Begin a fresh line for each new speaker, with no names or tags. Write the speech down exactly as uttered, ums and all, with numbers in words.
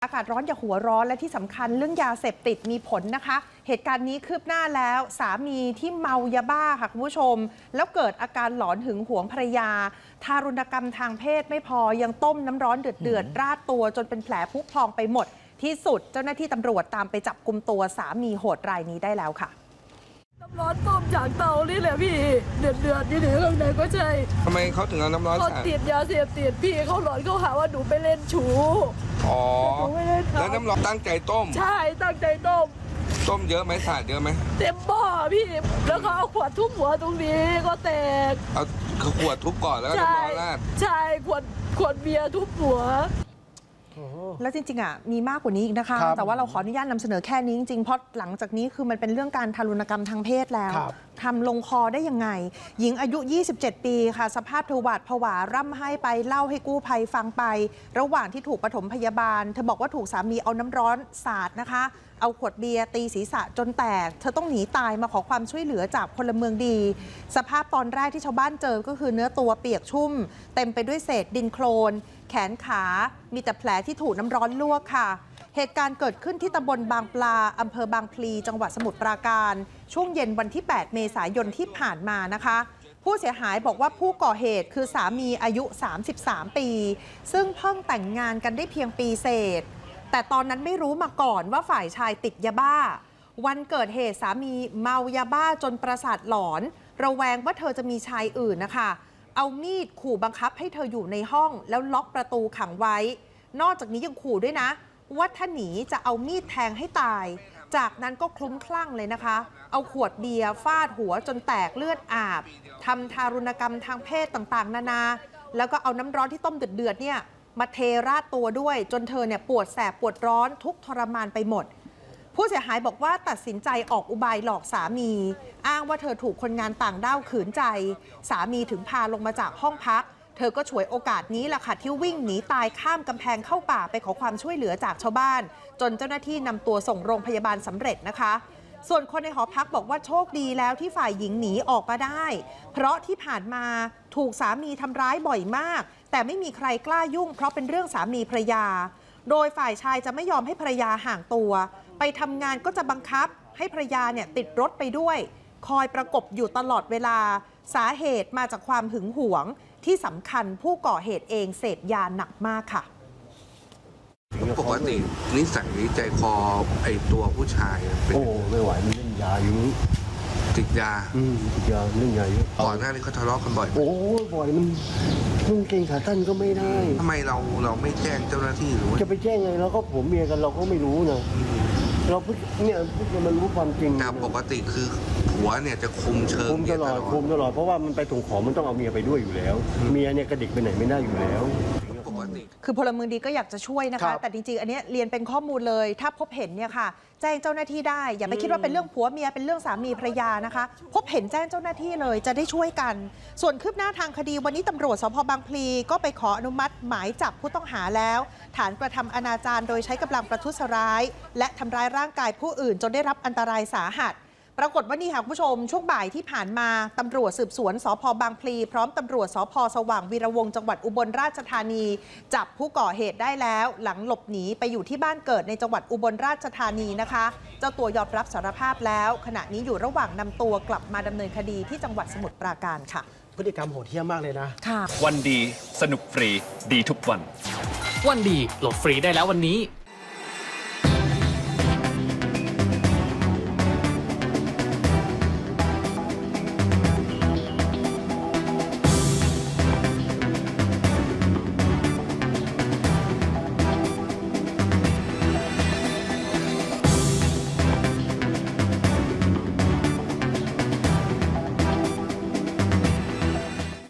อากาศร้อนอย่าหัวร้อนและที่สำคัญเรื่องยาเสพติดมีผลนะคะเหตุการณ์นี้คืบหน้าแล้วสามีที่เมายาบ้าค่ะคุณผู้ชมแล้วเกิดอาการหลอนหึงหวงภรรยาทารุณกรรมทางเพศไม่พอยังต้มน้ำร้อนเดือดๆราดตัวจนเป็นแผลพุพองไปหมดที่สุดเจ้าหน้าที่ตำรวจตามไปจับกุมตัวสามีโหดรายนี้ได้แล้วค่ะ
น้ำร้อนต้มจากเตานี่แหละพี่เดือดเดือดนี่เดือดข้างในก็ใช่
ทำไมเขาถึงเอาน้ำร้อน
เขาติดยาเสพติดพี่เขาหลอนเขาหาว่าหนูไปเล่นชู้
อ๋อ
แล้
แล้วน้ำร้อนตั้งใจต้ม
ใช่ตั้งใจต้ม
ต้มเยอะไหมสาดเยอะไหม
เต็มบ่อพี่แล้วเขาเอาขวดทุบหัวตรงนี้ก็แตก
เอาขวดทุบก่อนแล้วก็น้ำร้อนราด
ใช่ขวดขวดเบียร์ทุบหัว
แล้วจริงๆอ่ะมีมากกว่านี้อีกนะคะแต่ว่าเราขออนุญาตนำเสนอแค่นี้จริงๆเพราะหลังจากนี้คือมันเป็นเรื่องการทารุณกรรมทางเพศแล้วทำลงคอได้ยังไงหญิงอายุยี่สิบเจ็ดปีค่ะสภาพเธอหวาดผวาร่ำไห้ไปเล่าให้กู้ภัยฟังไประหว่างที่ถูกปฐมพยาบาลเธอบอกว่าถูกสามีเอาน้ำร้อนสาดนะคะเอาขวดเบียร์ตีศีรษะจนแตกเธอต้องหนีตายมาขอความช่วยเหลือจากพลเมืองดีสภาพตอนแรกที่ชาวบ้านเจอก็คือเนื้อตัวเปียกชุ่มเต็มไปด้วยเศษดินโคลนแขนขามีแต่แผลที่ถูกน้ำร้อนลวกค่ะเหตุการณ์เกิดขึ้นที่ตำบลบางปลาอำเภอบางพลีจังหวัดสมุทรปราการช่วงเย็นวันที่แปดเมษายนที่ผ่านมานะคะผู้เสียหายบอกว่าผู้ก่อเหตุคือสามีอายุสามสิบสามปีซึ่งเพิ่งแต่งงานกันได้เพียงปีเศษแต่ตอนนั้นไม่รู้มาก่อนว่าฝ่ายชายติดยาบ้าวันเกิดเหตุสามีเมายาบ้าจนประสาทหลอนระแวงว่าเธอจะมีชายอื่นนะคะเอามีดขู่บังคับให้เธออยู่ในห้องแล้วล็อกประตูขังไว้นอกจากนี้ยังขู่ด้วยนะว่าถ้าหนีจะเอามีดแทงให้ตายจากนั้นก็คลุ้มคลั่งเลยนะคะเอาขวดเบียร์ฟาดหัวจนแตกเลือดอาบทำทารุณกรรมทางเพศต่างๆนานาแล้วก็เอาน้ำร้อนที่ต้มเดือดๆเนี่ยมาเทราดตัวด้วยจนเธอเนี่ยปวดแสบปวดร้อนทุกทรมานไปหมดผู้เสียหายบอกว่าตัดสินใจออกอุบายหลอกสามีอ้างว่าเธอถูกคนงานต่างด้าวขืนใจสามีถึงพาลงมาจากห้องพักเธอก็ฉวยโอกาสนี้แหละค่ะที่วิ่งหนีตายข้ามกำแพงเข้าป่าไปขอความช่วยเหลือจากชาวบ้านจนเจ้าหน้าที่นำตัวส่งโรงพยาบาลสำเร็จนะคะส่วนคนในหอพักบอกว่าโชคดีแล้วที่ฝ่ายหญิงหนีออกมาได้เพราะที่ผ่านมาถูกสามีทำร้ายบ่อยมากแต่ไม่มีใครกล้ายุ่งเพราะเป็นเรื่องสามีภรรยาโดยฝ่ายชายจะไม่ยอมให้ภรรยาห่างตัวไปทำงานก็จะบังคับให้ภรรยาเนี่ยติดรถไปด้วยคอยประกบอยู่ตลอดเวลาสาเหตุมาจากความหึงหวงที่สำคัญผู้ก่อเหตุเองเสพยาหนักมากค่ะ
ปกตินิสัยใจคอไอตัวผู้ชาย
โอ้ไม่ไหวมันเล่นยาอยู่นี้
ติดยา
อืมติดยาเล่นยาเยอะ
ก่อนหน้านี้เขาทะเลาะกันบ่อย
โอ้บ่อยมันมึงเก่งขาตั้นก็ไม่ได้
ทำไมเราเราไม่แจ้งเจ้าหน้าที่หรือ
จะไปแจ้งไงเราก็ผมเมียกันเราก็ไม่รู้นะเราพูดเนี่ยพูดมันรู้ความจริง
แต่ปกติคือผัวเนี่ยจะคุมเชิง
คุมตลอดคุมตลอดเพราะว่ามันไปถุงของมันต้องเอาเมียไปด้วยอยู่แล้วเมียเนี่ยกระดิกไปไหนไม่ได้อยู่แล้ว
คือพลเมืองดีก็อยากจะช่วยนะคะแต่จริงๆอันนี้เรียนเป็นข้อมูลเลยถ้าพบเห็นเนี่ยค่ะแจ้งเจ้าหน้าที่ได้อย่าไปคิดว่าเป็นเรื่องผัวเมียเป็นเรื่องสามีภรรยานะคะพบเห็นแจ้งเจ้าหน้าที่เลยจะได้ช่วยกันส่วนคืบหน้าทางคดีวันนี้ตำรวจสภ.บางพลีก็ไปขออนุมัติหมายจับผู้ต้องหาแล้วฐานกระทำอนาจารโดยใช้กำลังประทุษร้ายและทำร้ายร่างกายผู้อื่นจนได้รับอันตรายสาหัสปรากฏว่านี่ค่ะคุณผู้ชมช่วงบ่ายที่ผ่านมาตำรวจสืบสวนสภ.บางพลีพร้อมตำรวจสภ.สว่างวีระวงศ์จังหวัดอุบลราชธานีจับผู้ก่อเหตุได้แล้วหลังหลบหนีไปอยู่ที่บ้านเกิดในจังหวัดอุบลราชธานีนะคะเจ้าตัวยอมรับสารภาพแล้วขณะนี้อยู่ระหว่างนำตัวกลับมาดำเนินคดีที่จังหวัดสมุทรปราการค่ะ
พฤติกรรมโหดเหี้ยมมากเลยนะ
ค่ะ
วันดีสนุกฟรีดีทุกวัน
วันดีโหลดฟรีได้แล้ววันนี้